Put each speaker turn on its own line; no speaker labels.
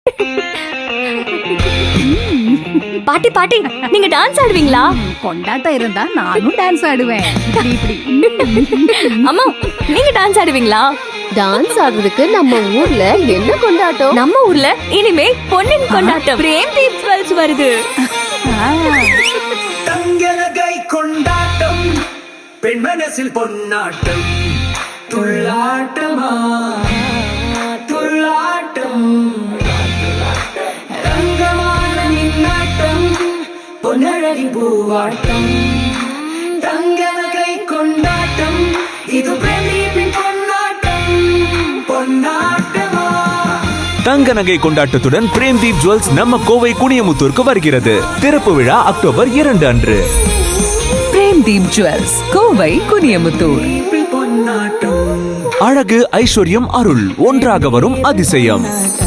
பாட்டி பாட்டி, நீங்க டான்ஸ் ஆடுவீங்களா?
கொண்டாட்டம் இருந்தா நானும் டான்ஸ் ஆடுவேன். இப்படி
அம்மா, நீங்க டான்ஸ் ஆடுவீங்களா?
டான்ஸ் ஆடுறதுக்கு நம்ம ஊர்ல என்ன கொண்டாட்டம்?
நம்ம ஊர்ல இனிமே பொன்னின் கொண்டாட்டம் பிரேம் தீப் ஜுவல்ஸ் வருது.
தங்கலகை கொண்டாட்டம், பெண் மனசில் பொன்னாட்டம், துள்ளாட்டமா துள்ளாட்டம், ரங்கமான நின்னாட்டம், பொன்னழகி பூவாட்டம், தங்கலகை கொண்டாட்டம், இது பிரதீபின் பொன்னாட்டம், பொன்னாட்டமா.
தங்க நகை கொண்டாட்டத்துடன் பிரேம்தீப் ஜுவல்ஸ் நம்ம கோவை குனியமுத்தூருக்கு வருகிறது. திறப்பு விழா அக்டோபர் 2 அன்று.
பிரேம்தீப் ஜுவல்ஸ், கோவை, குனியமுத்தூர்.
பொன்னாட்டம்,
அழகு, ஐஸ்வர்யம், அருள் ஒன்றாக வரும் அதிசயம்.